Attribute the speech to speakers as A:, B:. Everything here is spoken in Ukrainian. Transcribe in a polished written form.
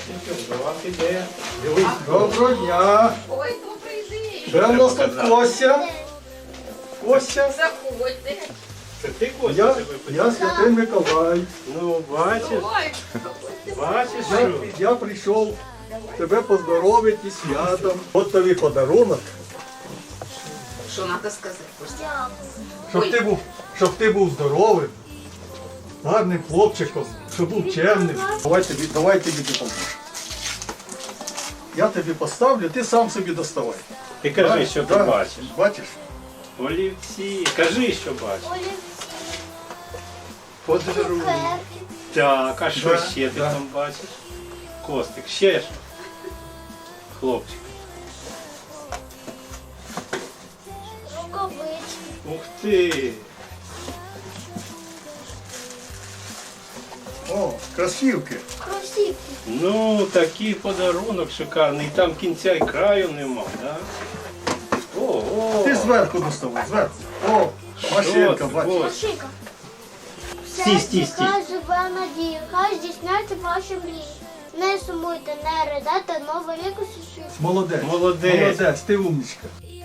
A: До вас іде. Дивись.
B: Доброго дня!
C: Ой, добрий день.
B: Де в нас тут Костя? Костя?
C: Заходьте.
A: Це ти Костя себе
B: Я
A: питав?
B: Святий Миколай.
A: Ну, бачиш,
C: Ой,
A: бачиш, що?
B: Я прийшов тебе поздоровити з святом. От тобі подарунок,
C: що треба сказати, Костя?
B: щоб ти був здоровим, гарним хлопчиком, щоб був чемним. Давай тобі допоможу. Я тобі поставлю, ти сам собі доставай.
A: Ти кажи, що ти
B: Да.
A: бачиш.
B: Бачиш?
A: Олівці. Кажи, що бачиш.
B: Подарунок.
A: Так, а що
B: Да,
A: ще ти
B: да.
A: там бачиш? Костик, ще що? Хлопчик.
D: Рукавички.
A: Ух ти!
B: О, кросівки.
D: Кросівки.
A: Ну, такий подарунок шикарний. Там кінця і краю нема, да? О,
B: Ти зверху доставай, зверху. О, машинка,
A: ти,
B: бачиш.
A: Костя?
D: Машинка.
A: Стій.
D: Хай живе надія, хай здійсняться ваші мрії. Не сумуйте, не ридайте, новий рік усі.
B: Молодець.
A: Молодець.
B: Молодець, ти умничка.